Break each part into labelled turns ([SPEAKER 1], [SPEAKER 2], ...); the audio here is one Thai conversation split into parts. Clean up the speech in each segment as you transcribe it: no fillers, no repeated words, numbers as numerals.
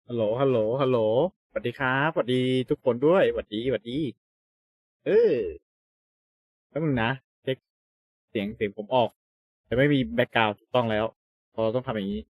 [SPEAKER 1] ฮัลโหลฮัลโหลฮัลโหลสวัสดีครับสวัสดีทุกคนด้วยสวัสดีสวัสดีเออแป๊บนึงนะเช็คเสียงผมออกแต่ไม่มีแบ็กกราวด์ถูกต้องแล้วพอเราต้องทำอย่างนี้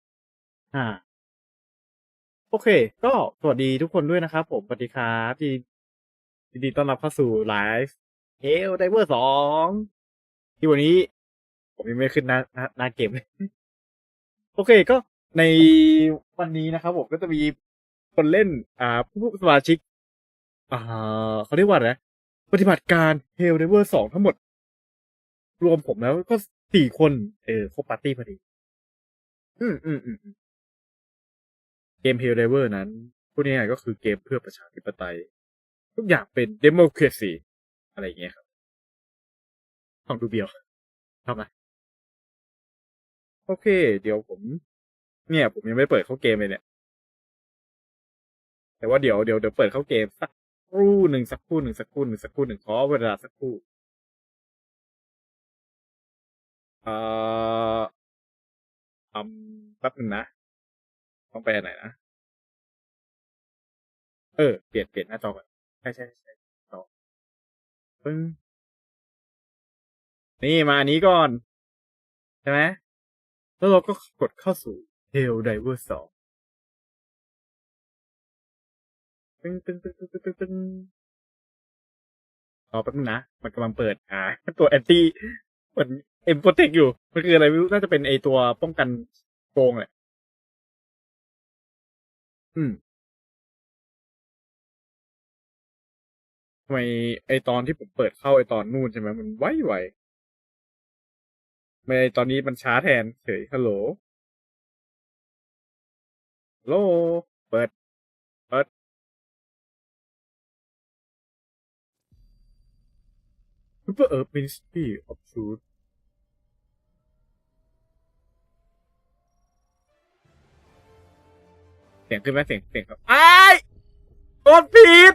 [SPEAKER 1] โอเคก็สวัสดีทุกคนด้วยนะครับผมสวัสดีครับที่ยินดีต้อนรับเข้าสู่ไลฟ์เฮลไดเวอร์2ที่วันนี้ผมยังไม่ขึ้นหน้าเกมเลยโอเคก็ในวันนี้นะครับผมก็จะมีคนเล่นผู้สมาชิก อ่เขาเรียกว่าอะไรนะปฏิบัติการ Hell Diver 2ทั้งหมดรวมผมแล้วก็4 คนครบปาร์ตี้พอดีอืมเกม Hell Diver นั้นพูดง่ายๆก็คือเกมเพื่อประชาธิปไตยทุกอย่างเป็น democracy อะไรอย่างเงี้ยครับฟังดูเบียวชอบไหมโอเคเดี๋ยวผมยังไม่เปิดเข้าเกมเลยเนี่ยแต่ว่าเดี๋ยวเปิดเข้าเกมสักครู่หนึ่งขอเวลาสักครู่เอ่อแป๊บนึงนะต้องไปไหนนะ เปลี่ยนหน้าจอก่อนใช่จอปึ้งนี่มาอันนี้ก่อนใช่ไหมแล้วเราก็กดเข้าสู่ Hell Diver 2ตึ้งรอแป๊บนึงนะมันกำลังเปิดตัวแอนตี้เหมือนเอ็มโปรเทคอยู่มันคืออะไรไม่รู้น่าจะเป็นไอตัวป้องกันโกงแหละอืมทำไมไอตอนที่ผมเปิดเข้าไอตอนนู่นใช่ไหมมันไวไม่ตอนนี้มันช้าแทนเฉยฮัลโหลฮัลโหลเปิดเปิด Super Earth Ministry of Truth เสียงขึ้นไหมเสียงครับกดผิด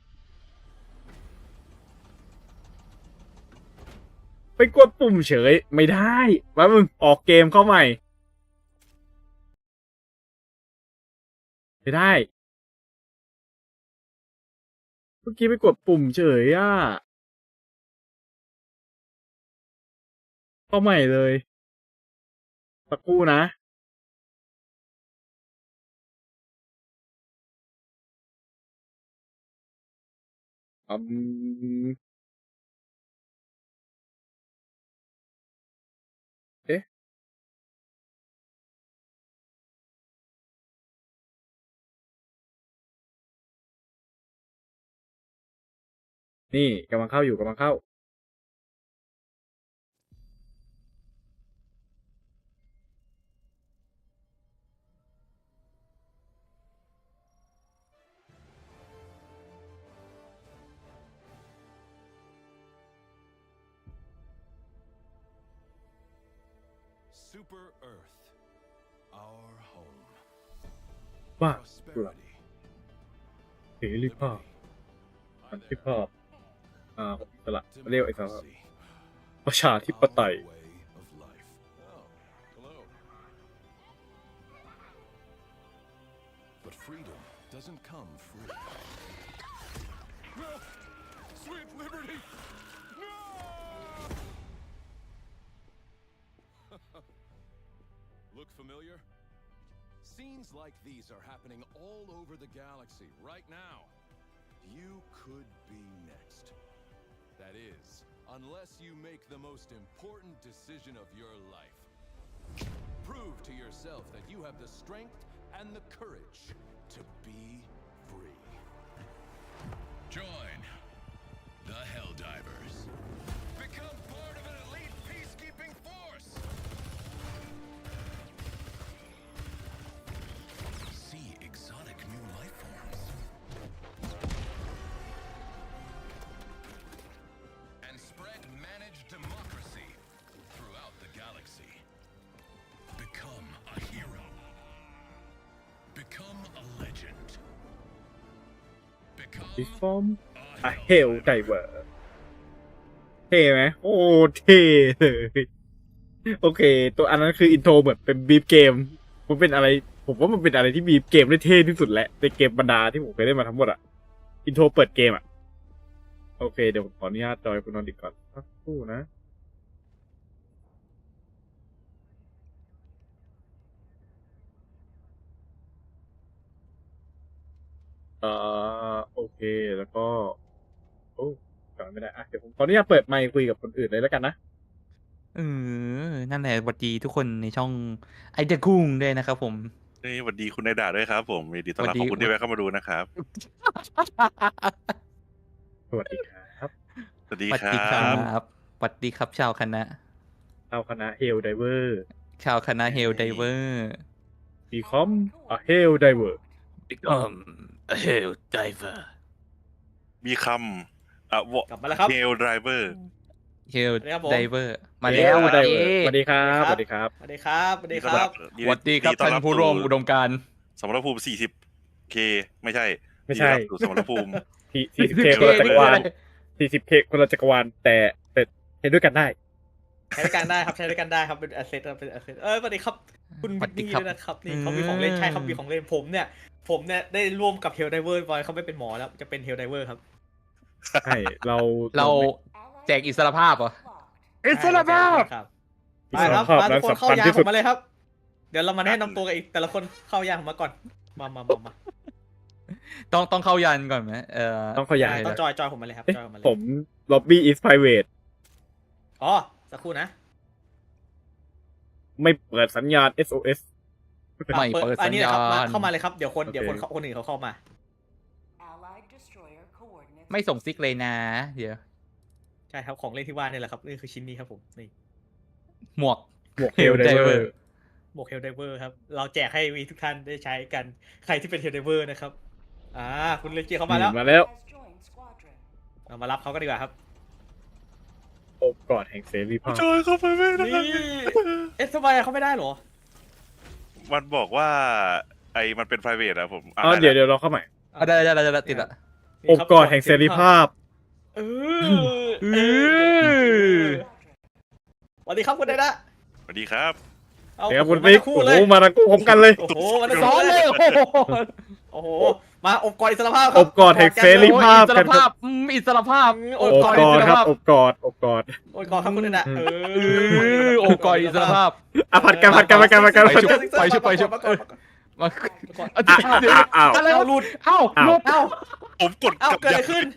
[SPEAKER 1] ไปกดปุ่มเฉยไม่ได้ว่ามึงออกเกมเข้าใหม่ไม่ได้เมื่อกี้ไปกดปุ่มเฉยเข้าใหม่เลยสักครู่นะอืมเอ๊ะนี่กำลังเข้าอยู่กำลังเข้า
[SPEAKER 2] Super Earth, our home.
[SPEAKER 1] ว่ากุหลาบ
[SPEAKER 2] Prosperity,
[SPEAKER 1] เสรีภาพ
[SPEAKER 2] liberty.
[SPEAKER 1] สัน
[SPEAKER 2] Hi
[SPEAKER 1] ติ
[SPEAKER 2] there.
[SPEAKER 1] ภาพอิสระเรียกไอ้สาระ
[SPEAKER 2] Democracy,
[SPEAKER 1] ประชาธิปไต
[SPEAKER 2] our
[SPEAKER 1] ย
[SPEAKER 2] way of life. Oh, hello. But freedom doesn't come free. No! Sweet liberty! No! Look familiar? Scenes like these are happening all over the galaxy right now. You could be next. That is, unless you make the most important decision of your life. Prove to yourself that you have the strength and the courage to be free. Join the Helldivers. Become part of an elite peacekeeping force. See exotic new life forms. And spread managed democracy throughout the galaxy. Become a hero. Become a legend. Become
[SPEAKER 1] Reform
[SPEAKER 2] a
[SPEAKER 1] a Hell Diver เท่ไหมโอ้เท่เลยโอเคตัวอันนั้นคืออินโทรเหมือนเป็นบีฟเกมมันเป็นอะไรผมว่ามันเป็นอะไรที่มีเกมได้เท่ที่สุดแหละในเกมบรรดาที่ผมเคยเล่นมาทั้งหมดอะอินโทรเปิดเกมอะโอเคเดี๋ยวผมขออนุญาตจอยคุณนนท์อีกก่อนสักครู่นะโอเคแล้วก็โอ้จอยไม่ได้อะเดี๋ยวผมขออนุญาตเปิดไมค์คุยกับคนอื่นเลยแล้วกันนะ
[SPEAKER 3] เออนั่นแหละสวัสดีทุกคนในช่องไอเดอะกุ้งด้วยนะครับผม
[SPEAKER 4] นี่สวัสดีคุณนายดาด้วยครับผมยินดีต้อนรับ
[SPEAKER 3] สวัสดี
[SPEAKER 4] ขอบคุณที่แวะเข้ามาดูนะครับ
[SPEAKER 1] สวัสดีครับ
[SPEAKER 4] สวัสดี
[SPEAKER 3] สวัส
[SPEAKER 4] ครั
[SPEAKER 3] ดีครับ
[SPEAKER 4] บ
[SPEAKER 3] สวัสดีครับชาวคณะ
[SPEAKER 1] เอาคณะเฮลไดเวอร์
[SPEAKER 3] ชาวคณะเฮลไดเวอร์
[SPEAKER 1] บีคอมเฮลไดเวอร์
[SPEAKER 3] Become a hell diver
[SPEAKER 4] มีคำ
[SPEAKER 5] กลับมาแล้วครับ
[SPEAKER 4] เฮลไดเวอร์
[SPEAKER 3] เฮล
[SPEAKER 5] สวัสดีครับผม
[SPEAKER 3] ไดเวอร์มาแล้ว
[SPEAKER 1] เฮล
[SPEAKER 3] สวัส
[SPEAKER 1] ได
[SPEAKER 3] ดี
[SPEAKER 1] เวอร์สวัสดีครับ
[SPEAKER 5] ส
[SPEAKER 1] ส
[SPEAKER 5] วั
[SPEAKER 1] วั
[SPEAKER 5] ส
[SPEAKER 1] ส
[SPEAKER 5] ดี
[SPEAKER 1] ดี
[SPEAKER 5] ค
[SPEAKER 1] ค
[SPEAKER 5] รั
[SPEAKER 1] รับ
[SPEAKER 5] สวัสดีครับสวัสดีครับ
[SPEAKER 3] สวัสดีครับท่านผู้ร่วมอุดมการณ์
[SPEAKER 4] สมรภูมิ40K ไม่ใช่
[SPEAKER 1] ไม่ใช่
[SPEAKER 4] ยินดีรับสู่สมรภูมิ
[SPEAKER 1] 40K คนละจักรวาล 40K คนละจักรวาลแต่เห็นด้วยกันได้
[SPEAKER 5] ใช้ด้วยกันได้ครับใช้ด้วยกันได้ครับเป็นแอสเซทเป็นแอสเซทสวัสดีครับ คุณ
[SPEAKER 3] สวั
[SPEAKER 5] วิ
[SPEAKER 3] ส
[SPEAKER 5] น
[SPEAKER 3] ดี
[SPEAKER 5] นี่
[SPEAKER 3] ครับ
[SPEAKER 5] ด้วยนะครับนี่เขามีของเล่นใช่ครับมีของเล่นผมเนี่ยได้ร่วมกับเฮลไดเวอร์บอยเขาไม่เป็นหมอแล้วจะเป็นเฮลไดเวอร์ครับ
[SPEAKER 1] ใช่เรา
[SPEAKER 3] เราแจกอิสรภาพเหรอ อิสรภาพ
[SPEAKER 5] ครับ
[SPEAKER 1] อิ
[SPEAKER 5] ไป
[SPEAKER 1] ส
[SPEAKER 5] ค
[SPEAKER 1] ร
[SPEAKER 5] รับ
[SPEAKER 1] ภาพ
[SPEAKER 5] มา
[SPEAKER 1] นั้
[SPEAKER 5] ทุ
[SPEAKER 1] น
[SPEAKER 5] กคนเข้า
[SPEAKER 1] สำคัญ
[SPEAKER 5] ยาง
[SPEAKER 1] ที่
[SPEAKER 5] ผ
[SPEAKER 1] สุด
[SPEAKER 5] มมาเลยครับ เดี๋ยวเรามาแนะนำตัวกันอีกแต่ละคนเข้ายางผมมาก่อนมา
[SPEAKER 3] ต้องเข้ายันก่อนไหม
[SPEAKER 1] ต้องขยาย
[SPEAKER 5] ต้องจอยผมมาเลยครับ
[SPEAKER 1] เอ๊ะ
[SPEAKER 5] จอยผมมาเลย
[SPEAKER 1] ผม lobby is private
[SPEAKER 5] อ๋อสักครู่นะ
[SPEAKER 1] ไม่เปิดสัญญาณ SOS
[SPEAKER 3] ไม่เปิด
[SPEAKER 5] อั
[SPEAKER 3] สั
[SPEAKER 5] น
[SPEAKER 3] ญ
[SPEAKER 5] นี้นะ
[SPEAKER 3] ญา
[SPEAKER 5] ครับมา
[SPEAKER 3] ณ
[SPEAKER 5] เข้ามาเลยครับเดี๋ยวคน
[SPEAKER 1] โอเค
[SPEAKER 5] คนอื่นเขาเข้ามา
[SPEAKER 3] ไม่ส่งซิกเลยนะเดี๋ยว
[SPEAKER 5] ใช่ครับของเล่นที่ว่านี่แหละครับนี่คือชิ้นนี้ครับผมนี่
[SPEAKER 3] หมวก
[SPEAKER 1] หมวกเฮลไดเวอ
[SPEAKER 3] Helldiver
[SPEAKER 1] ร์
[SPEAKER 5] หมวกเฮลไดเวอร์ครับเราแจกให้มีทุกท่านได้ใช้กันใครที่เป็นเฮลไดเวอร์นะครับคุณเลนเจียเข้ามาแล้ว
[SPEAKER 1] มาแล้ว
[SPEAKER 5] เรามารับเขากันดีกว่าครับ
[SPEAKER 1] โอบกอดแห่งเสรีภาพ
[SPEAKER 4] จอยเข้าไปไม่ได้
[SPEAKER 5] นี่ทำไมเขาไม่ได้เหรอ
[SPEAKER 4] มันบอกว่ามันเป็น private อะผม
[SPEAKER 1] อ๋อเดี๋ยวเราเข้าใหม่
[SPEAKER 3] ได้ติดละ
[SPEAKER 1] โอบกอดแห่งเสรีภาพ
[SPEAKER 5] เออสวัสดีครับคุณไดนะ
[SPEAKER 4] สวัสดีครับ
[SPEAKER 5] เอา
[SPEAKER 1] เดี๋ยวคุณ
[SPEAKER 5] มา
[SPEAKER 1] ติ๊ก
[SPEAKER 5] คู่
[SPEAKER 1] โอ้
[SPEAKER 5] เล
[SPEAKER 1] โห
[SPEAKER 5] ย
[SPEAKER 1] มาทั้งคู่พร้อมกันเลย
[SPEAKER 5] โอ้โหมาทั้ง
[SPEAKER 3] ซ้
[SPEAKER 5] คู่
[SPEAKER 3] อน
[SPEAKER 5] เล
[SPEAKER 3] เลย ยโอ้โห
[SPEAKER 5] โอ้โหมาอบกอดอิสรภาพค
[SPEAKER 1] อ
[SPEAKER 5] รับบ
[SPEAKER 1] กอดแห่งเสรีภาพ
[SPEAKER 3] อิสรภาพอิสรภาพ
[SPEAKER 5] โอ
[SPEAKER 1] โอ
[SPEAKER 5] บบ กอด
[SPEAKER 1] ก
[SPEAKER 5] อิ
[SPEAKER 1] อ
[SPEAKER 5] ส
[SPEAKER 1] ด
[SPEAKER 5] ร
[SPEAKER 1] ครับ
[SPEAKER 5] ภาพ
[SPEAKER 1] อบกอดอบกอด
[SPEAKER 5] โอ้ยกอดครับคุณไดนะ
[SPEAKER 3] โอบกอดอิสรภาพ
[SPEAKER 1] ผัดกันผัดกันผัดกันผัดกัน
[SPEAKER 3] ไปชุบไปชุบไปชุบ
[SPEAKER 5] มาก่อน
[SPEAKER 3] มา
[SPEAKER 1] อ้าว
[SPEAKER 3] อะไร
[SPEAKER 5] เอาหลุด
[SPEAKER 3] เอ้าหลุด
[SPEAKER 5] เอ้า
[SPEAKER 4] ผมกด
[SPEAKER 5] เอ้าก
[SPEAKER 4] ลับ
[SPEAKER 5] เกิดอะไรขึ้น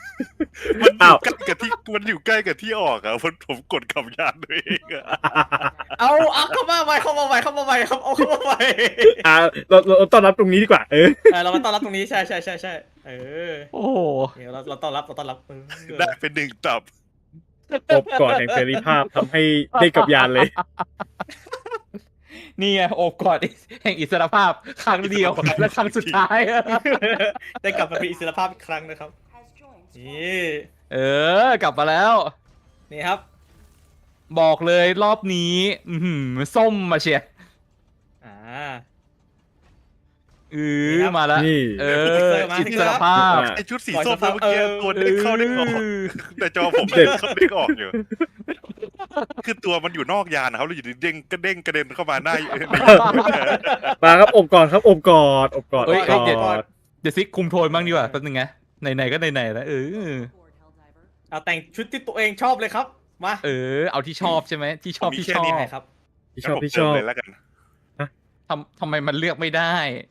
[SPEAKER 4] มันอยู่ใกล้กับที่ออกอะผมกดขับยานตัวเองอะ
[SPEAKER 5] เอาเข้ามาใหม่ครับเอาเข้ามาใหม่
[SPEAKER 1] เราต้อนรับตรงนี้ดีกว่า
[SPEAKER 5] เรามาต้อนรับตรงนี้ใช่
[SPEAKER 3] โอ้โห
[SPEAKER 5] เดี๋ยวเราต้อนรับ
[SPEAKER 4] ได้เป็น1 ตับ
[SPEAKER 1] อบกอดแห่งเสรีภาพทำให้ได้กับยานเลย
[SPEAKER 3] นี่ไงโอบกอดแห่งอิสรภาพครั้งเดียวและครั้งสุดท้าย
[SPEAKER 5] ได้กลับมาเป็นอิสรภาพอีกครั้งนะครับนี่
[SPEAKER 3] กลับมาแล้ว
[SPEAKER 5] นี่ครับ
[SPEAKER 3] บอกเลยรอบนี้ส้มมาเชียร์
[SPEAKER 5] อ่า
[SPEAKER 3] มาแล้ว
[SPEAKER 1] นี่
[SPEAKER 3] อิสรภาพ
[SPEAKER 4] ไอชุดสีส้มเมื่อกี้ตัวเด้งเข้าเด้งออกแต่จอผม
[SPEAKER 1] เด็ด
[SPEAKER 4] เข้าเด้งออกอยู่ คือตัวมันอยู่นอกยานนะครับแล้วอยู่ดีเด้งกระเด็นเข้ามาหน้า
[SPEAKER 1] มาครับอบกอดครับอบกอดอบกอด
[SPEAKER 3] เฮ้
[SPEAKER 1] อย บกอด
[SPEAKER 3] เดี๋ยวซิกคุมโทนบ้างดีกว่าแป๊บนึงไงไหนๆก็ไหนๆแล้ว
[SPEAKER 5] เอาแต่งชุดที่ตัวเองชอบเลยครับมา
[SPEAKER 3] เอาที่ชอบใช่ไหมที่ชอบ
[SPEAKER 4] ผมมี
[SPEAKER 3] ที่
[SPEAKER 4] แค่
[SPEAKER 3] ชอ
[SPEAKER 4] นี้
[SPEAKER 3] บ
[SPEAKER 4] ไง
[SPEAKER 5] ครับ
[SPEAKER 1] พี่ชอบ
[SPEAKER 4] งั้นผม
[SPEAKER 1] พี่ชอบ
[SPEAKER 4] เติมเลยแล้วกัน
[SPEAKER 3] ทำไมมันเลือกไม่ได้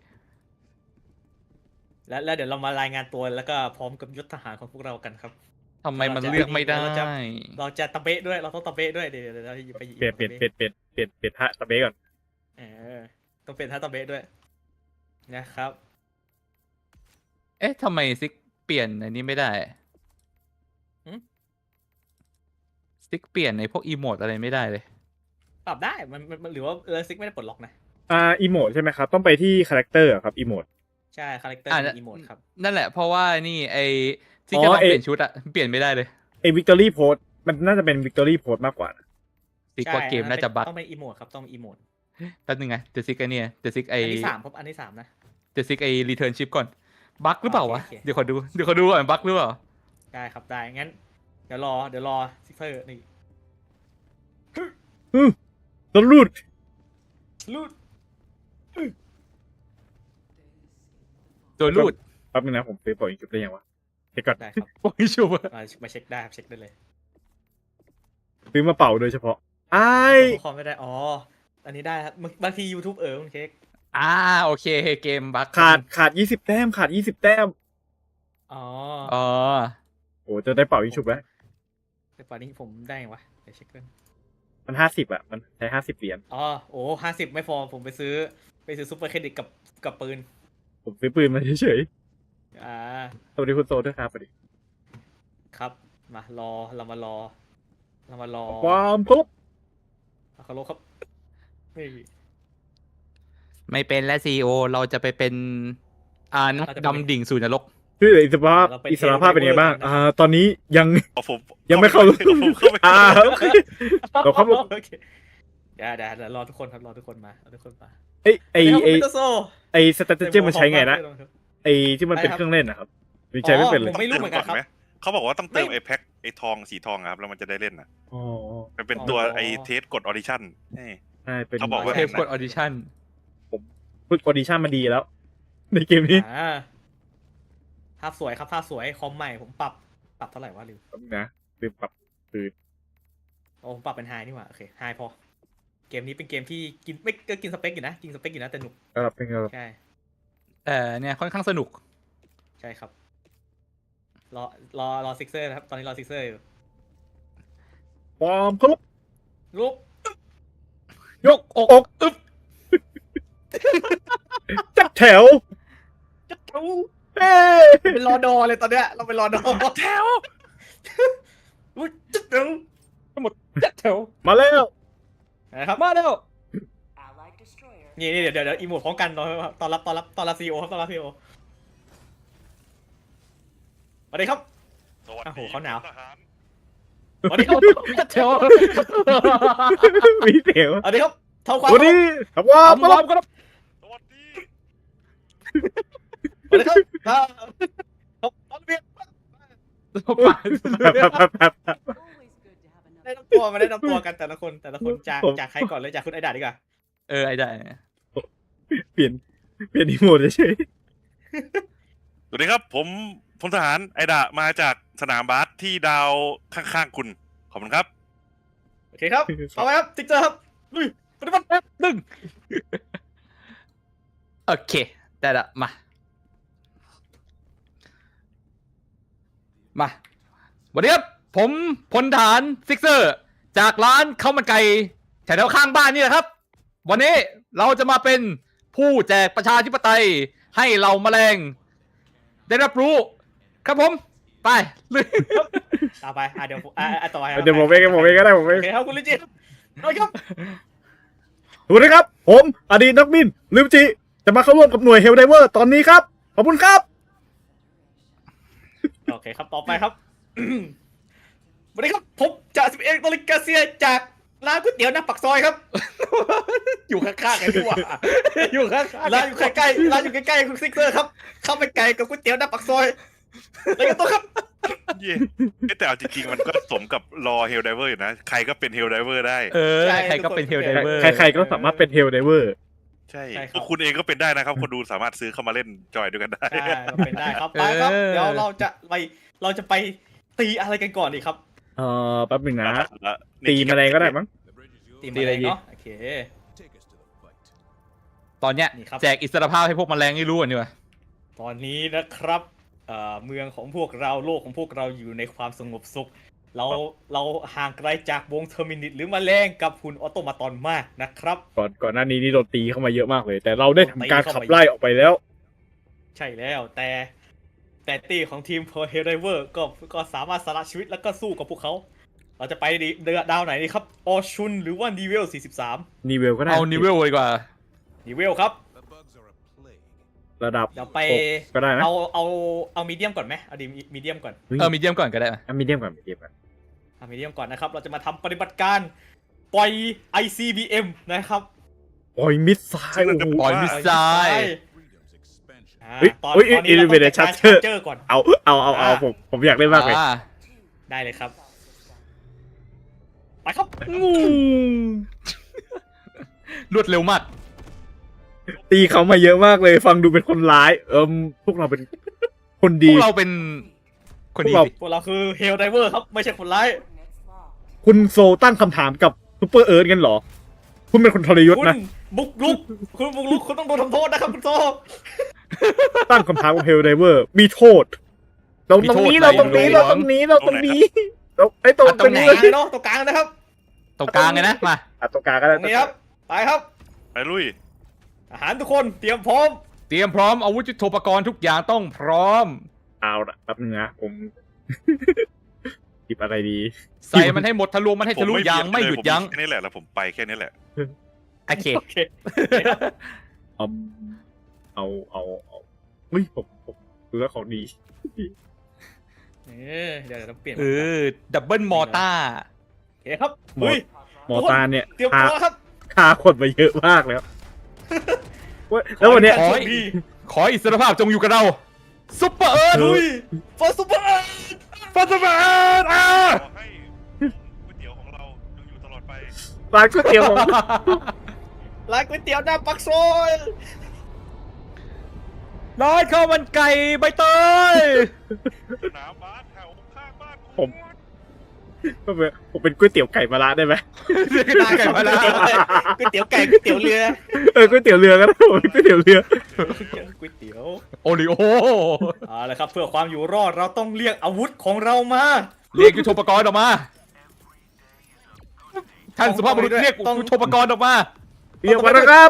[SPEAKER 5] แล้วเดี๋ยวเรามารายงานตัวแล้วก็พร้อมกับยศทหารของพวกเรากันครับ
[SPEAKER 3] ทำไมมันเลือกไม่ได้
[SPEAKER 5] เราจะตะเบะด้วยเราต้องตะเบะด้วยเดี๋ยวเราไป
[SPEAKER 1] เปลี่ยนท่าตะเบะก่อน
[SPEAKER 5] ต้องเป็นท่าตะเบะด้วยนะครับ
[SPEAKER 3] เอ๊ะทำไมซิกเปลี่ยนอันนี้ไม่ได้ซิกเปลี่ยนในพวกอีโมดอะไรไม่ได้เลย
[SPEAKER 5] ปรับได้มันหรือว่าซิกไม่ได้ปลดล็อกนะ
[SPEAKER 1] อีโมดใช่ไหมครับต้องไปที่คาแรคเตอร์ครับอีโมด
[SPEAKER 5] ใช่คาแรคเตอร์อีโมดครับ
[SPEAKER 3] นั่นแหละเพราะว่านี่ไอซิกจะลองเปลี่ยนชุดอะเปลี่ยนไม่ได้เลย
[SPEAKER 1] วิกตอรี่โพสมันน่าจะเป็นวิกตอรี่โพสมากกว่า
[SPEAKER 3] ซิกว่าเกมน่าจะบั๊ก
[SPEAKER 5] ต้องเป็นอีโมดครับต้องอีโมด
[SPEAKER 3] แป๊บนึงไงเดี๋ยวซิกไอเนี่ยเดี๋ยวซิกไอ
[SPEAKER 5] อันที่3ครับอันที่3นะ
[SPEAKER 3] เดี๋ยวซิกไอรีเทิร์นชิปก่อนบั๊กหรือเปล่าวะ
[SPEAKER 5] โอเค
[SPEAKER 3] เดี๋ยวขอดูก่อนบั๊กหรือเปล่า
[SPEAKER 5] ได้ครับได้งั้นเดี๋ยวรอซิกเซอร์นี่
[SPEAKER 1] ตำรูด
[SPEAKER 5] ลูด
[SPEAKER 3] ตัวรูด
[SPEAKER 1] แป๊บนึงนะผมซื้อปล่อยจุดได้ยังวะเช็คก่อน
[SPEAKER 5] ได้ครับ
[SPEAKER 3] โอ้ยชัวร์
[SPEAKER 5] มาเช็คได้ครับเช็คได้เลย
[SPEAKER 1] ซื้อมาเป่าโดยเฉพาะไอ้
[SPEAKER 5] คอมไม่ได้อ๋ออันนี้ได้ครับบางที YouTube คุณเค้ก
[SPEAKER 3] โอเคเกมบั๊ก
[SPEAKER 1] ขาด20 แต้มขาด20 แต้ม
[SPEAKER 5] อ๋อ
[SPEAKER 3] อ๋อ
[SPEAKER 1] โอ้จะได้เป่าอีกชุบแล้ว
[SPEAKER 5] แต่ป่านนี้ผมได้ไงวะเดี๋ยวเช็คกัน
[SPEAKER 1] มัน50อ่ะมันใช้50 เหรียญ
[SPEAKER 5] อ๋อโอ้50ไม่พอผมไปซื้อซุปเปอร์เครดิตกับปืน
[SPEAKER 1] ผมซื้อปืนมาเฉย
[SPEAKER 5] อ่า
[SPEAKER 1] ๆสวัสดีคุณโซด้วยครับสวัสดี
[SPEAKER 5] ครับเรามารอ
[SPEAKER 1] ความครบ
[SPEAKER 5] เคารพครับนี่
[SPEAKER 3] ไม่เป็นและซีโอเราจะไปเป็นนักดำดิ่งสู่นรก
[SPEAKER 1] ชื่ออิสระภาพเป็นไงบ้างตอนนี้ยัง
[SPEAKER 4] เอาผม
[SPEAKER 1] ยังไม่เข้า
[SPEAKER 4] ผมเข้าไป
[SPEAKER 1] โอเคเราครับผม
[SPEAKER 5] โอเคเดี๋ยวรอทุกคนครับรอทุกคนมามา
[SPEAKER 1] ไอ้
[SPEAKER 5] เดี๋ยวผมเป็นโซ่
[SPEAKER 1] ไอ้สแตทเจอร์มันใช้ไงนะไอ้ที่มันเป็นเครื่องเล่นนะครับมันใช้ไม่เป็นเลย
[SPEAKER 5] ผมไม่รู้เหมือนกันครับ
[SPEAKER 4] เขาบอกว่าต้องเติม
[SPEAKER 5] ไม่
[SPEAKER 4] ไอ้แพ็คไอ้ทองสีทองอะครับแล้วมันจะได้เล่นอ่ะ
[SPEAKER 1] อ๋อ
[SPEAKER 4] มันเป็นตัว
[SPEAKER 5] อ๋อ
[SPEAKER 4] ไอ้เทสกดออดิชั่น
[SPEAKER 1] ใช่เป็น
[SPEAKER 4] เขาบอกว่า
[SPEAKER 3] เทปกดออดิชั่น
[SPEAKER 1] ฝึกออดิชั่นมาดีแล้ว ในเกมนี้
[SPEAKER 5] ภาพสวยครับภาพสวยคอมใหม่ผมปรับเท่าไหร่วะลืม
[SPEAKER 1] นะลืมปรับปืน
[SPEAKER 5] โอ้ผมปรับเป็นไฮนี่หว่าโอเคไฮพอเกมนี้เป็นเกมที่กินไม่ก็กินสเปคอยู่นะกินสเปคอยู่นะแต่หนุก
[SPEAKER 1] เป็นไงครับ
[SPEAKER 5] ใช่
[SPEAKER 3] เนี่ยค่อนข้างสนุก
[SPEAKER 5] ใช่ครับรอซิกเซอร์นะครับตอนนี้รอซิกเซอร์อยู่
[SPEAKER 1] ความครบ
[SPEAKER 5] ลุก
[SPEAKER 1] ยกอกอึบจัดแถว
[SPEAKER 5] จะแถว
[SPEAKER 1] เอ้ย
[SPEAKER 5] เป็นรอดอเลยตอนเนี้ยเราเป็นรอดอแถวจะแถว
[SPEAKER 3] จัดแถว
[SPEAKER 1] มาแล้ว
[SPEAKER 5] นะครับ
[SPEAKER 3] มาแล้ว
[SPEAKER 5] นี่เดี๋ยวอีโมดพร้อมกันตอนรับซีโอครับตอนรับซีโอสวัสดีครับ
[SPEAKER 4] สวัส
[SPEAKER 5] โอ้โห
[SPEAKER 4] ดี
[SPEAKER 5] เขาหนาว
[SPEAKER 4] ทหาร
[SPEAKER 5] สวัสดีครับ
[SPEAKER 3] จัดแถว
[SPEAKER 1] มีเสียว
[SPEAKER 5] สวัสดีครับเท่าความ
[SPEAKER 1] วันนี้ครับว่า
[SPEAKER 3] พร้อมครับ
[SPEAKER 4] สวัสดี
[SPEAKER 5] สวัสดีครับครับตอนเรียนได้นำตัวมาได้นำตัวกันแต่ละคนจากใครก่อนเลยจากคุณไอดาดีกว่า
[SPEAKER 3] ไอ้ได้
[SPEAKER 1] เปลี่ยนอีโมดเฉย
[SPEAKER 4] สวัสดีครับผมพลทหารไอดะมาจากสนามบาสที่ดาวข้างๆคุณขอบคุณครับ
[SPEAKER 5] โอเคครับเอาไปครับติ๊กเจอร์ครับลุยปฏิบัติครับ
[SPEAKER 3] ดึงโอเค ได้ละมาวันนี้ครับผมพลทหารซิกเซอร์ จากร้านข้าวมันไก่แถวๆข้างบ้านนี่แหละครับ วันนี้เราจะมาเป็นผู้แจกประชาธิปไตยให้เราแมลง ได้รับรู้ ครับผม ไปเลย
[SPEAKER 5] เอาไปเดี๋ยวต่อไป
[SPEAKER 1] เดี๋ยวผมเองก็ได้ผมเอ
[SPEAKER 5] โอง เคครับคุณลิจิเอาครับ
[SPEAKER 1] สวัสดีครับ ผมอดีตนักบินลิมจิจะมาเข้าร่วมกับหน่วยเฮลไดเวอร์ตอนนี้ครับขอบคุณครับ
[SPEAKER 5] โอเคครับต่อไปครับสวัสดีครับผมจ่าสิบเอกโตลิกาเซียจากร้านก๋วยเตี๋ยวหน้าปากซอยครับ อยู่ข้างๆกันดีกว่าอยู่ข้างๆร้านอยู่ใกล้ๆร้านอยู่ใกล้ๆคุณซิกเซอร์ครับเข้าไปไก่กับก๋วยเตี๋ยวหน้าปากซอยอะไรกันตัวครับ
[SPEAKER 4] เย่แต่เอาจริงๆมันก็สมกับรอเฮลไดเวอร์อยู่นะ ใครก็เป็นเฮลไดเวอร์ได้
[SPEAKER 3] ใครก็เป็นเฮลไดเวอร์
[SPEAKER 1] ใครๆก็สามารถเป็นเฮลไดเวอร์
[SPEAKER 4] ใช่คุณเองก็เป็นได้นะครับ คนดูสามารถซื้อเข้ามาเล่นจอยด้วยกันได้
[SPEAKER 5] ใช่เป็นได้ครับไปครับเดี๋ยวเราจะไปตีอะไรกันก่อนดีครับ
[SPEAKER 1] แป๊บนึงนะ
[SPEAKER 4] แล้ว
[SPEAKER 1] ตีแมลงก็ได้มั้ง
[SPEAKER 5] ตีอะไรเนาะโอเค
[SPEAKER 2] Take us to the fight.
[SPEAKER 3] ตอนเนี้ย
[SPEAKER 5] นี่ครับ
[SPEAKER 3] แจกอิสรภาพให้พวกแมลงให้รู้กันดีกว่า
[SPEAKER 5] ตอนนี้นะครับเมืองของพวกเราโลกของพวกเราอยู่ในความสงบสุข เราห่างไกลจากวงเทอร์มินิตหรือแมลงกับหุ่นออโตมาตอนมากนะครับ
[SPEAKER 1] ก่อนหน้านี้นี่โดนตีเข้ามาเยอะมากเลย แต่เราได้ทำการขับไล่ออกไปแล้ว
[SPEAKER 5] ใช่แล้วแต่ตีของทีมเพอร์เฮลไดเวอร์ก็สามารถสละชีวิตแล้วก็สู้กับพวกเขา เราจะไปดาวไหนดีครับออชุนหรือว่านีเวล43
[SPEAKER 1] นีเวลก็ได้
[SPEAKER 3] เอานิเวลดีกว่า
[SPEAKER 5] นีเวลครับ
[SPEAKER 2] The bugs are a plague.
[SPEAKER 1] ระดับ
[SPEAKER 5] เดี๋ยวไป
[SPEAKER 1] 6ก็ได้นะ
[SPEAKER 5] เอามีเดียมก่อนไหมเอาดีมีเดียมก่อน
[SPEAKER 3] มีเดียมก่อนก็ได้
[SPEAKER 1] มีเดียมก่อนมีเดียมก่อน
[SPEAKER 5] เอามีเดียมก่อนนะครับเราจะมาทำปฏิบัติการปล่อย ICBM นะครับ
[SPEAKER 1] ปล่อยมิสไซล์โอ้โห
[SPEAKER 3] ปล่อยมิสไซล์
[SPEAKER 2] Freedom's expansion.
[SPEAKER 1] เฮ้ย
[SPEAKER 5] ตอน
[SPEAKER 1] เฮ้ย
[SPEAKER 5] นี้เรา
[SPEAKER 1] Elevated
[SPEAKER 5] ต้องการ
[SPEAKER 1] Charger
[SPEAKER 5] Charger ก่อน
[SPEAKER 1] เอาผมอยากเล่นมากเลย
[SPEAKER 5] ได้เลยครับไปครับ
[SPEAKER 3] งูรวดเร็วมาก
[SPEAKER 1] ตีเขามาเยอะมากเลย ฟังดูเป็นคนร้าย พวกเราเป็นคน
[SPEAKER 3] พ
[SPEAKER 1] ดี
[SPEAKER 3] วกเราเป็นคนดี
[SPEAKER 1] พวกเรา
[SPEAKER 3] สิ
[SPEAKER 5] พวกเราคือเฮลไดเวอร์ครับไม่ใช่คนร้าย
[SPEAKER 1] คุณโซตั้งคำถามกับซูเปอร์เอิร์ธกันเหรอ คุณเป็นคนทรยศ
[SPEAKER 5] คุณ
[SPEAKER 1] นะ
[SPEAKER 5] บุกลุกคุณบุกลุกคุณต้องโดนทำโทษนะครับคุณโซ
[SPEAKER 1] ตั้งคำถามกับเฮลไดเวอร์ มีโทษ เราตรงนี้เราตรงนี้เราตรงนี้เราตรงนี้เราไอ้ตรง
[SPEAKER 3] ตรงไหน
[SPEAKER 5] กลางเลยเนาะตรงกลางนะครับ
[SPEAKER 3] ตรงกลางไงนะมา
[SPEAKER 1] ตรงกลางก็
[SPEAKER 5] ต
[SPEAKER 1] ได้
[SPEAKER 5] รงนี้ครับไปครับ
[SPEAKER 4] ไปลุย
[SPEAKER 5] ทหารทุกคนเตรียมพร้อม
[SPEAKER 3] เตรียมพร้อมอาวุธยุทโธปกรณ์ทุกอย่างต้องพร้อม
[SPEAKER 1] เอาละแป๊บนึงนะผม หยิบอะไรดี
[SPEAKER 3] ใส่มันให้หมดทะลวงมันให้ทะลุยางไม่หยุดยั้ง
[SPEAKER 4] แค่นี้แหละแล้วผมไปแค่นี้แหละ
[SPEAKER 3] โอเค
[SPEAKER 5] โอเค
[SPEAKER 1] เอาเฮ้ยผมดูแล้วของดี
[SPEAKER 5] เดี๋ยวเราเปลี่ยน
[SPEAKER 3] ดับเบิลมอต้า
[SPEAKER 5] โอเคครับ
[SPEAKER 1] หมอ
[SPEAKER 5] เฮ้ย
[SPEAKER 1] หมอตาเนี่ย
[SPEAKER 5] เตรียม
[SPEAKER 1] พา
[SPEAKER 5] ตัวครับ
[SPEAKER 1] พาคนมาเยอะมากแล้วแล้ววันเนี้ย
[SPEAKER 3] ขอ
[SPEAKER 5] ดี
[SPEAKER 3] ขออิสรภาพจงอยู่กับเราซุปเปอร์เอิร์ธ
[SPEAKER 5] ลุยฟอสซูเปอร์
[SPEAKER 3] ฟัสเปอร์เอิร์ธ
[SPEAKER 4] ขอให้ก๋วยเตี๋ยวของเราจงอยู่ตลอดไป
[SPEAKER 1] ร้านก๋วยเตี๋ยวของ
[SPEAKER 5] ร้านก๋วยเตี๋ยวหน้าปักซอย
[SPEAKER 3] ร้านข้าวมันไก่ใบเตย
[SPEAKER 4] สนามบาสแถวข้างบ้าน
[SPEAKER 1] ผมเป็นก๋วยเตี๋ยวไก่มะระได้ไหม
[SPEAKER 3] ได้ไก่มาแล้ว
[SPEAKER 5] ก๋วยเตี๋ยวไก่ก๋วยเตี๋ยวเรือ
[SPEAKER 1] ก๋วยเตี๋ยวเรือก็ได้ผมเป็นก๋วยเตี๋ยวเรือ
[SPEAKER 5] ก๋วยเตี๋ยว
[SPEAKER 3] โอริโอ
[SPEAKER 5] เอาละครับเพื่อความอยู่รอดเราต้องเรียกอาวุธของเรามา
[SPEAKER 3] เรียกยุทโธปกรณ์ออกมา ท่านสุภาพบุรุษเรียกยุทโธปกรณ์ออกมา
[SPEAKER 1] เรียกมานะครับ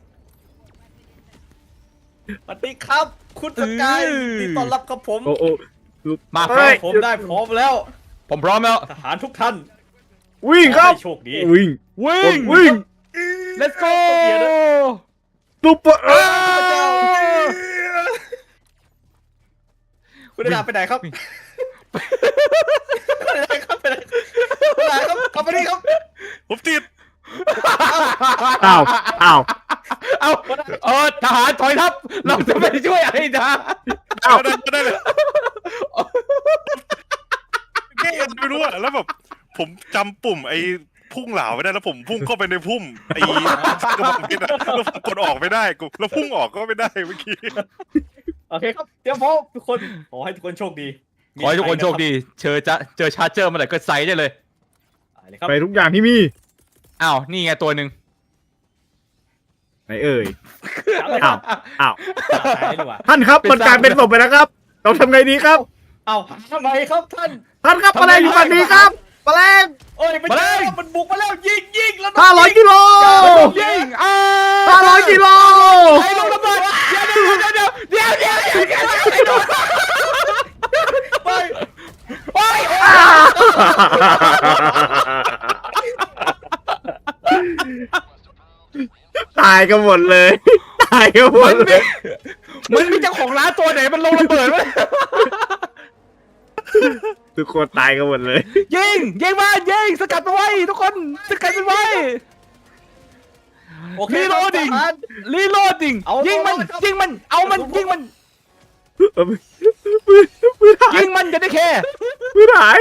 [SPEAKER 5] สวัสดีครับ คุณสกายที่ต้อนรับกับผม
[SPEAKER 1] โอ้
[SPEAKER 3] มา
[SPEAKER 1] เฮ้ย
[SPEAKER 5] ผมได้พร้อมแล้ว
[SPEAKER 3] ผมพร้อมแล้ว
[SPEAKER 5] ทหารทุกท่าน
[SPEAKER 1] วิ่งครับ
[SPEAKER 5] ขอให้โชคดี
[SPEAKER 1] วิ่ง
[SPEAKER 3] วิ่ง
[SPEAKER 1] วิ่ง
[SPEAKER 3] let's go
[SPEAKER 1] ซุปเปอร์เอิร์ธ
[SPEAKER 5] คุณดาไปไหนครับไปไหนครับไปไหนไปไหนครับกลับมาดิครับ
[SPEAKER 4] ผมติด
[SPEAKER 1] อ้าว
[SPEAKER 3] เอาทหารถอยทัพ เราจะไปช่วยไอ้ดา
[SPEAKER 4] ได้เลยแค่ยังไม่รู้อะแล้วแบบผมจำปุ่มไอ้พุ่งเหลาไม่ได้แล้วผมพุ่งเข้าไปในพุ่มไอ้กระบอกเพชรอะแล้วผมกดออกไม่ได้กูแล้วพุ่งออกก็ไม่ได้เมื่อกี้
[SPEAKER 5] โอเคครับเตรียมพร้อมทุกคนขอให้ทุกคนโชคดี
[SPEAKER 3] ขอให้ทุกคนโชคดี เจอชาร์เจอร์เมื่อไหร่ก็ใส่ได้เลย
[SPEAKER 5] ไปเลยครับ
[SPEAKER 1] ไปทุกอย่างที่มี
[SPEAKER 3] อ้าว นี่ไงตัวหนึ่ง
[SPEAKER 1] ไหนเอ่ย
[SPEAKER 5] จับเลยค
[SPEAKER 1] อ้า
[SPEAKER 5] รั
[SPEAKER 1] ว
[SPEAKER 5] บ
[SPEAKER 1] อ้าว
[SPEAKER 5] ตายดีกว่า
[SPEAKER 1] ท่านครับมันกลายเป็นศพไปแล้วครับ เราทำไงดีครับ
[SPEAKER 5] เอาทำไมครับท่าน
[SPEAKER 1] ท่านครับแมลงอยู่ฝั่งนี้ครับแมลง
[SPEAKER 5] โอ้ยไม่ใช่มันบุกมาแล้วยิงแล้ว
[SPEAKER 1] 500 กิโล
[SPEAKER 3] ยิง
[SPEAKER 1] 500 กิโล
[SPEAKER 3] ไอ้ลงระเบิดเดี๋ยว
[SPEAKER 5] ไป
[SPEAKER 3] โอ้ย
[SPEAKER 1] ตายกันหมดเลย ตายกันหมดเลย
[SPEAKER 3] มันมีเจ้าของร้านตัวไหนมันลงระเบิดวะ
[SPEAKER 1] ทุกคนตายกันหมดเลย
[SPEAKER 3] ยิงมันยิงสกัดมันไว้ทุกคนสกัดมันไว้
[SPEAKER 5] โอเค
[SPEAKER 3] รีโหลดดิ้ง รีโหลดดิ้ง
[SPEAKER 5] เอา
[SPEAKER 3] ยิงมัน
[SPEAKER 5] ครับ
[SPEAKER 3] ยิงมันเอามันยิงมัน
[SPEAKER 1] มือหาย
[SPEAKER 3] ยิงมันจะได้แค่
[SPEAKER 1] มือหาย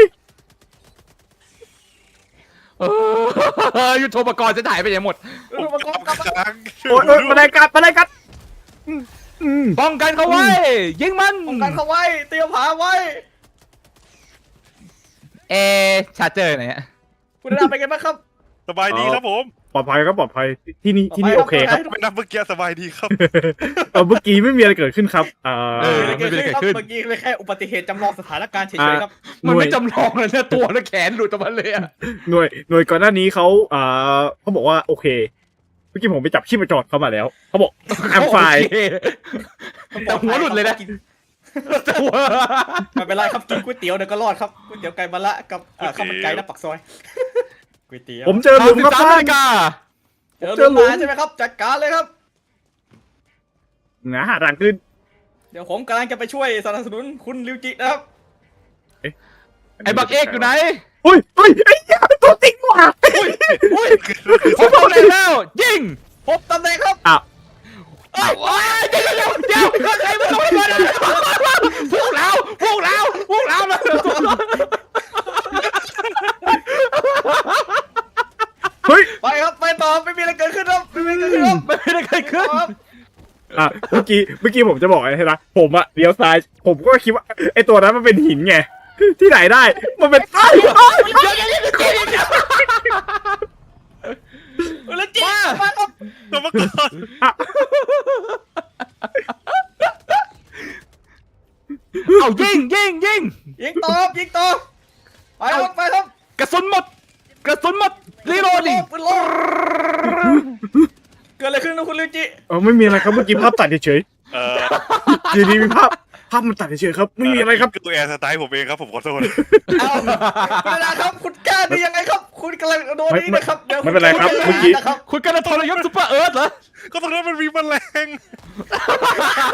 [SPEAKER 3] ยุทโธปกรณ์จะถ่ายไปไหนหมด
[SPEAKER 4] ผมกำลัง
[SPEAKER 1] โอ๊ยมาได้กัด
[SPEAKER 3] ป้องกันเขาไว้ ยิงมัน
[SPEAKER 5] ป้องกันเขาไว้เตรียมผาไว้
[SPEAKER 3] ชาร์เจอร์ไหนฮะ
[SPEAKER 5] คุณดาไปกันบ้างครับ
[SPEAKER 4] สบายดีครับผม
[SPEAKER 1] ปลอดภัยครับปลอดภัยที่นี่โอเคครับ
[SPEAKER 4] ไม่นับเมื่อกี้สบายดีครับ
[SPEAKER 1] เมื่อกี้ไม่มีอะไรเกิดขึ้นครับ
[SPEAKER 3] ไม่เป็นไรเกิดขึ้น
[SPEAKER 5] เมื่อกี้เลยแค่อุบัติเหตุจำลองสถานการณ์เฉยๆครับ
[SPEAKER 3] มันไม่จำลองเลยนะตัวและแขนหลุดออกมาเลยอะ
[SPEAKER 1] หน่วยก่อนหน้านี้เขาบอกว่าโอเคเมื่อกี้ผมไปจับชีพจรเขามาแล้วเขาบอกแอมไฟ
[SPEAKER 3] แต่หัวหลุดเลยนะ
[SPEAKER 5] ไม่เป็นไรครับกินก๋วยเตี๋ยวเดี๋ยวก็รอดครับก๋วยเตี๋ยวไก่มะละกับข้าวมันไก่หน้าปากซอยก๋วยเตี๋ยว
[SPEAKER 1] ผมเจอหลุมครับ
[SPEAKER 3] 13
[SPEAKER 1] ท่า
[SPEAKER 3] นาฬิ
[SPEAKER 1] น
[SPEAKER 3] กา
[SPEAKER 5] เจอหลุมมาใช่ไหมครับจัดการเลยครับ
[SPEAKER 1] หาทางขึ้น
[SPEAKER 5] เดี๋ยวผมกำลังจะไปช่วยสนับสนุนคุณริวจินะครับ
[SPEAKER 3] ไอ้บักเอกอยู่ไหน
[SPEAKER 1] อุ้ยไอ้ยาตัวจริงว่ะ
[SPEAKER 3] อุ้ยผมเอาเลยแล้ว ยิง
[SPEAKER 5] พบตำแหน่งครับ
[SPEAKER 1] อ้าว
[SPEAKER 3] เดี๋ยวใครมาลงมาพวกเรามา
[SPEAKER 1] เฮ้ย
[SPEAKER 5] ไปครับไปต่อไม่มีอะไรเกิดขึ้นครับไม่มีอะไรเกิดขึ้นครับ
[SPEAKER 3] ไม่ได้เกิดขึ้น
[SPEAKER 5] ครับ
[SPEAKER 1] เมื่อกี้ผมจะบอกอะไรนะผมอะเลี้ยวซ้ายผมก็คิดว่าไอตัวนั้นมันเป็นหินไงที่ไหนได้มันเป็นไอ้
[SPEAKER 5] แล้วจีมาครับ
[SPEAKER 4] ตัวมาก่อน
[SPEAKER 3] เอายิง
[SPEAKER 5] ยิงตอบยิงตอบไปครับไปครับ
[SPEAKER 3] กระสุนหมดรีโหลดดิ
[SPEAKER 5] ปืนโลเกิดอะไรขึ้นนะคุณลิวจิ
[SPEAKER 1] ไม่มีอะไรครับเมื่อกี้ภาพตัดเฉย
[SPEAKER 4] เออ
[SPEAKER 1] ๆอยู่ดีมีภาพมันตัดเฉยๆครับไม่มีอะไรครับ
[SPEAKER 4] ตัวแอร์สไตล์ผมเองครับผมขอโทษ
[SPEAKER 5] เอาคุณนะครับคุณกล้าได้ยังไงครับ คุณกำลังโดนนี่นะครับเดี๋ยว
[SPEAKER 1] ไม่เป็นไรครับเมื่อกี้
[SPEAKER 5] นะครับ
[SPEAKER 3] คุณกำลังทรยศซุปเปอร์เอิร์ธเหรอ
[SPEAKER 4] ก็ตรงนั้นมันมีแมลง